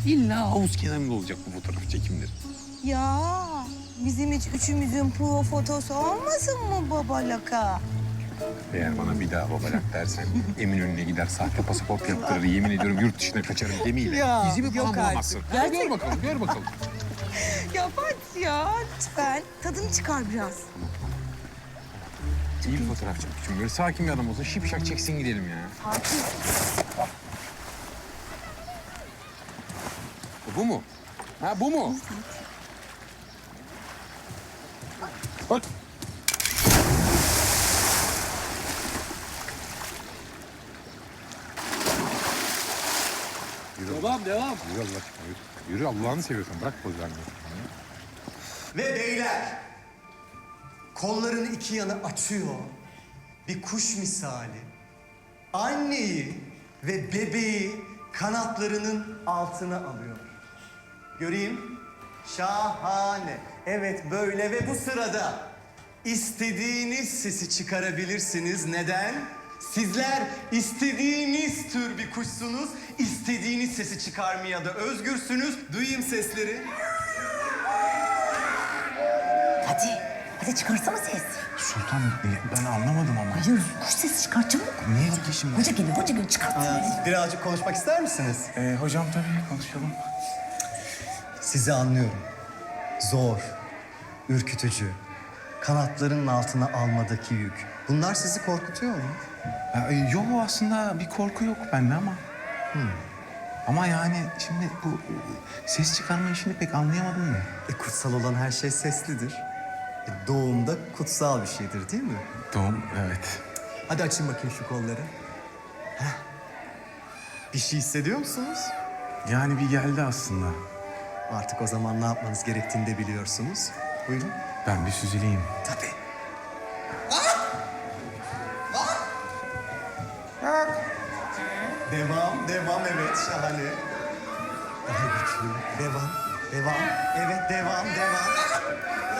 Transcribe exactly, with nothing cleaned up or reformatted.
İlla havuz kenarında olacak bu fotoğraf çekimleri. Ya bizim hiç üçümüzün prova fotosu olmasın mı babalaka? Eğer bana bir daha babalak dersen Eminönü'ne gider sahte pasaport yaptırır. Yemin ediyorum yurt dışına kaçarım gemiyle. Ya, İzimi yok falan artık. bulamazsın. Gerçek- Gör bakalım, gör bakalım. Ya Fatih ya lütfen tadını çıkar biraz. İyi bir fotoğraf çekmişim. Böyle sakin bir adam olsa şipşak çeksin gidelim ya. Fatih. Bu mu? Ha bu mu? Bak. Yürü. Devam, devam. Yürü Allah aşkına yürü. Yürü Allah'ını seviyorsan bırak poz vermeyi. Ve beyler, kollarını iki yana açıyor, bir kuş misali, anneyi ve bebeği kanatlarının altına alıyor. Göreyim, şahane. Evet böyle ve bu sırada istediğiniz sesi çıkarabilirsiniz. Neden? Sizler istediğiniz tür bir kuşsunuz, istediğiniz sesi çıkarmaya da özgürsünüz. Duyayım sesleri. Hadi, hadi çıkarsana ses. Sultan ben anlamadım ama. Hayır, kuş sesi çıkar çabuk. Niye ki şimdi? Hoca geliyor, hoca geliyor. Çıkart. Aa, birazcık konuşmak ister misiniz? Ee, hocam tabii konuşalım. Sizi anlıyorum. Zor, ürkütücü, kanatlarının altına almadaki yük. Bunlar sizi korkutuyor mu? Ya, e, yok aslında bir korku yok bende ama. Ama yani şimdi bu e, ses çıkarma işini pek anlayamadım mı? E, kutsal olan her şey seslidir. E, doğumda kutsal bir şeydir değil mi? Doğum, evet. Hadi açın bakayım şu kolları. Heh. Bir şey hissediyor musunuz? Yani bir geldi aslında. Artık o zaman ne yapmanız gerektiğini de biliyorsunuz. Buyurun. Ben bir süzüleyim. Tabii. Devam, devam evet şahane. Daha güçlü. Devam, devam. Evet devam, devam.